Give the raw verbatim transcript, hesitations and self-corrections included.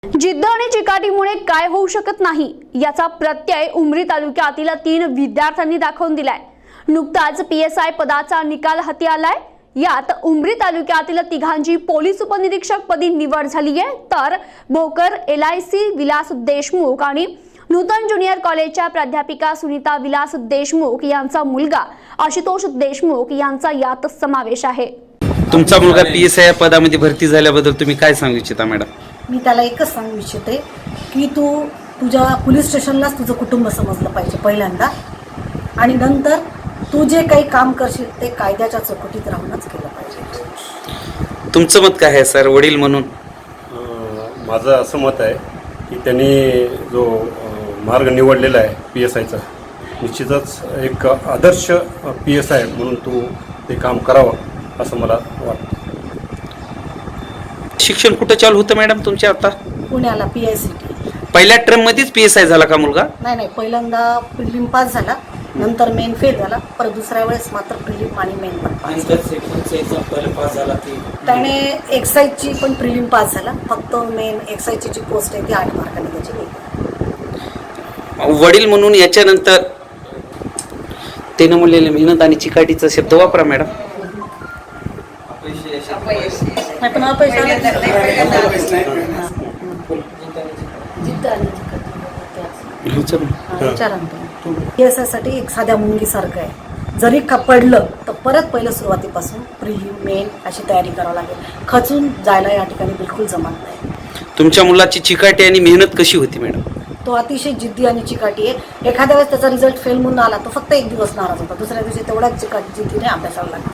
जिद्द आणि चिकाटीमुळे काय होऊ शकत नाही याचा प्रत्यय उमरी तालुक्यातील तीन विद्यार्थ्यांनी दाखवून दिलाय। नुकताच पीएसआय पदाचा निकाल हाती आलाय। यात उमरी तालुक्यातील तिघांची पोलीस उपनिरीक्षक पदी निवड झाली आहे, तर भोकर एलआयसी विलास देशमुख आणि नूतन ज्युनियर कॉलेजच्या प्राध्यापिका सुनीता विलास देशमुख यांचा मुलगा आशुतोष देशमुख यांचा यात समावेश आहे। तुमचा मुलगा पीएसआय पदामध्ये भरती झाल्याबद्दल तुम्ही काय सांगू इच्छिता मॅडम? मी त्याला एकच सांगू इच्छिते की तू तुझ्या पोलीस स्टेशनलाच तुझं कुटुंब समजलं पाहिजे पहिल्यांदा, आणि नंतर तू जे काही काम करशील ते कायद्याच्या चौकटीत राहूनच केलं पाहिजे। तुमचं मत काय आहे सर, वडील म्हणून? माझं असं मत आहे की त्यांनी जो मार्ग निवडलेला आहे पी एस आयचा, निश्चितच एक आदर्श पी एस आय म्हणून तू ते काम करावं असं मला वाटतं। शिक्षण कुठं चालू होतं मॅडम तुमच्या आता? पुण्याला पी आय सी टी। पहिल्या टर्म मध्येच पीएसआय झाला का मुलगा? नाही नाही, पहिल्यांदा प्रिलिम पास झाला, नंतर मेन फेल झाला, परत दुसऱ्या वेळेस मात्र प्रिलिम आणि मेन पण पास झाला। त्याने एक्साईजची पण प्रिलिम पास झाला, फक्त मेन एक्साईजची जी पोस्ट आहे ती आठ मार्काने त्याची गेली। वडील म्हणून याच्यानंतर त्यानं म्हणलेले मेहनत आणि चिकाटीचा शब्द वापरा मॅडम। नाही पण अपयश यासाठी एक साध्या मुंगीसारखं आहे, जरी का पडलं तर परत पहिलं सुरुवातीपासून प्रिलिम मेन अशी तयारी करावी लागेल। खचून जायला या ठिकाणी बिलकुल जमत नाही। तुमच्या मुलाची चिकाटी आणि मेहनत कशी होती मॅडम? तो अतिशय जिद्दी आणि चिकाटी आहे। एखाद्या वेळेस त्याचा रिझल्ट फेल म्हणून आला तो फक्त एक दिवस नाराज होता, दुसऱ्या दिवशी तेवढ्याच चिकाटी जिद्दीने अभ्यासाला लागला।